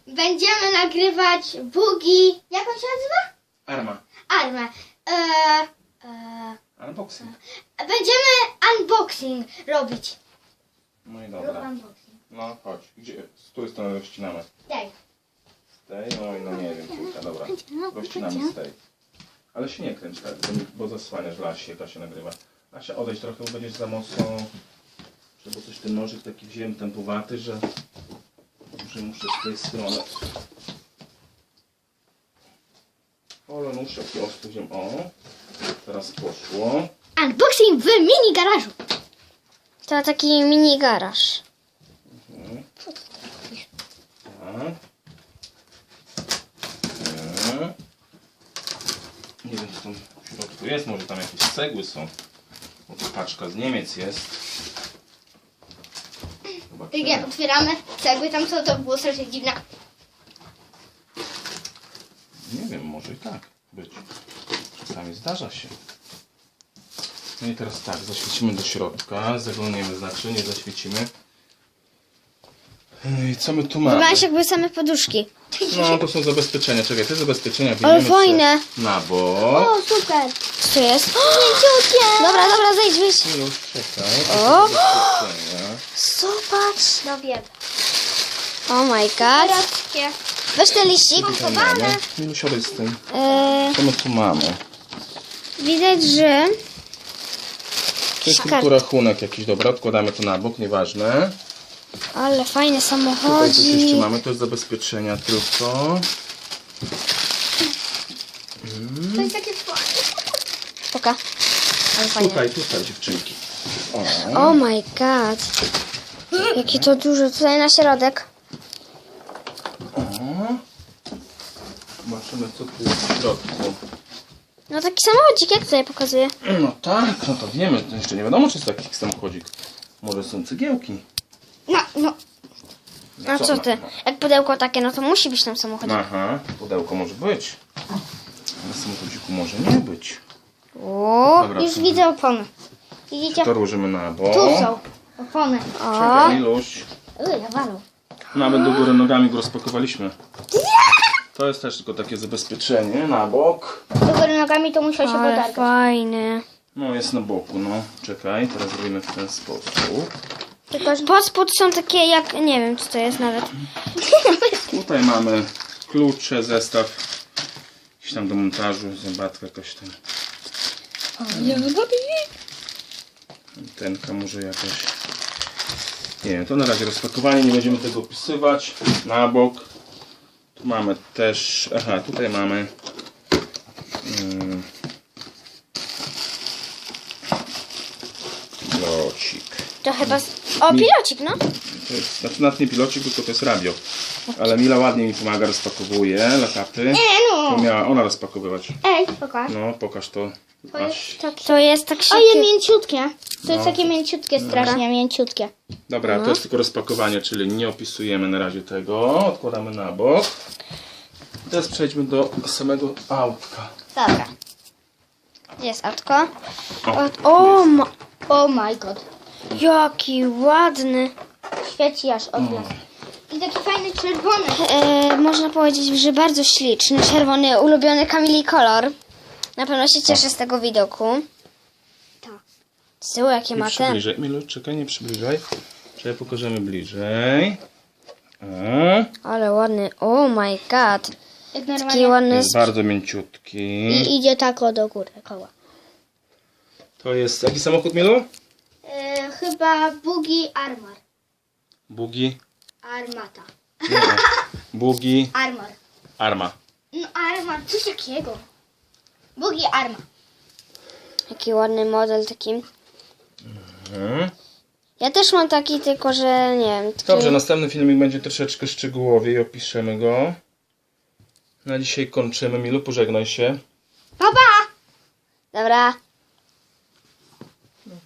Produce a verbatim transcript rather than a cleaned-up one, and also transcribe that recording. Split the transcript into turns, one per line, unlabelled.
będziemy nagrywać bugi. Jak on się nazywa?
Arma.
Armę. Eee, eee,
Unboxing.
będziemy unboxing robić.
No i
Rób
dobra.
unboxing.
No chodź. Gdzie? Z której strony rozcinamy?
Daj.
Z tej? No i no nie wiem, kurka, dobra. Rozcinamy z tej. Ale się nie kręć tak, bo, bo zasłaniasz Lasie, jak się nagrywa. Lasia, odejdź trochę, bo będziesz za mocno... Bo coś ten nożyk taki wziąłem tempowaty, że... że muszę z tej strony. Ale nóż jaki ostry wziąłem. O! Teraz poszło.
Unboxing w mini garażu.
To taki mini garaż.
Mhm. Tak. Nie. Nie wiem, co tam w środku jest. Może tam jakieś cegły są. Bo to paczka z Niemiec jest.
Jak jak otwieramy cegły, tam co to było strasznie dziwne.
Nie wiem, może i tak być. Czasami zdarza się. No i teraz tak, zaświecimy do środka. Zaglądniemy, znaczy nie zaświecimy. I co my tu mamy?
Wyglądasz jakby same poduszki.
No to są zabezpieczenia. Czekaj, te zabezpieczenia
Ale
wyjmiemy
fajne.
sobie na bok.
O, super.
Co to jest? Dobra, dobra, zejdź, wyjdź.
Już czekaj.
O!
Zabezpieczenia.
Zobacz.
No wiem.
Oh my god.
Teraz
Weź ten liścik.
Co mamy? Milu, siadaj z tym.
E,
Co my tu mamy?
widać, że...
To jest
Szkar-
tylko rachunek jakiś, dobra, odkładamy to na bok, nieważne.
Ale fajne
Tutaj coś jeszcze
samochodzi.
mamy, to jest zabezpieczenia tylko.
to jest takie fajne.
Poka. Ale fajne.
Tutaj, tutaj dziewczynki. O.
Oh my god. Jakie to duże. Tutaj na środek.
O. Zobaczymy, co tu jest w środku.
No taki samochodzik, jak tutaj pokazuje.
No tak, no to wiemy, to jeszcze nie wiadomo, czy jest taki samochodzik. Może są cegiełki.
No, no.
A co ty? Jak pudełko takie, no to musi być tam samochodzik.
Aha, pudełko może być. Ale samochodziku może nie być.
O,
Dobra,
Już
to-
widzę opony. Widzicie?
to rozłożymy na bok.
Tu są opony.
o.
Czekaj, Miluś.
Uj, ja walą.
Nawet do góry nogami go rozpakowaliśmy. To jest też tylko takie zabezpieczenie na bok.
Do góry nogami to musiał się
Ale
podargać.
fajny.
No jest na boku, no. Czekaj, teraz zrobimy w ten sposób.
Tylko, że...
Pod spód są takie jak, nie wiem co to jest nawet.
Tutaj mamy klucze, zestaw. Jakiś tam do montażu, zębatka jakaś tam. Tenka może jakaś. Nie wiem, to na razie rozpakowanie, nie będziemy tego opisywać. Na bok. Tu mamy też, aha, tutaj mamy mm, pilocik.
To chyba... Z... O, pilocik, no.
To jest, znaczy nawet nie pilocik, tylko to jest radio. Ale Mila ładnie mi pomaga, rozpakowuje lakapy.
E,
To
no.
miała ona rozpakowywać.
Ej, pokaż.
No, pokaż to. Aś.
To jest tak się...
Oje, mięciutkie. To jest
No.
takie mięciutkie, strasznie mięciutkie.
Dobra, to jest tylko rozpakowanie, czyli nie opisujemy na razie tego. Odkładamy na bok. Teraz przejdźmy do samego autka.
Dobra.
Jest autko.
O,
O, ma...
Oh my god.
jaki ładny.
Świeci aż od nas. I taki fajny czerwony.
E, można powiedzieć, że bardzo śliczny, czerwony, ulubiony Kamili kolor. Na pewno się cieszę z tego widoku.
Tak.
Z tyłu jakie
Nie
ma ten.
przybliżaj. Milu, czekaj, nie przybliżaj. Czekaj, pokażemy bliżej. O,
Ale ładny. Oh my god.
Jak
Taki
normalnie.
ładny.
jest bardzo mięciutki.
I idzie tak o do góry, koła.
To jest jaki samochód, Milu?
E, chyba Bugi Armor.
Bugi.
Armata.
Nie, Bugi.
Armor.
Arma.
No Armor, coś takiego. Bugi Arma.
Jaki ładny model taki.
Mhm.
Ja też mam taki, tylko że nie wiem. Taki...
Dobrze, następny filmik będzie troszeczkę szczegółowiej, opiszemy go. Na dzisiaj kończymy. Milu, pożegnaj się.
Pa, pa!
Dobra.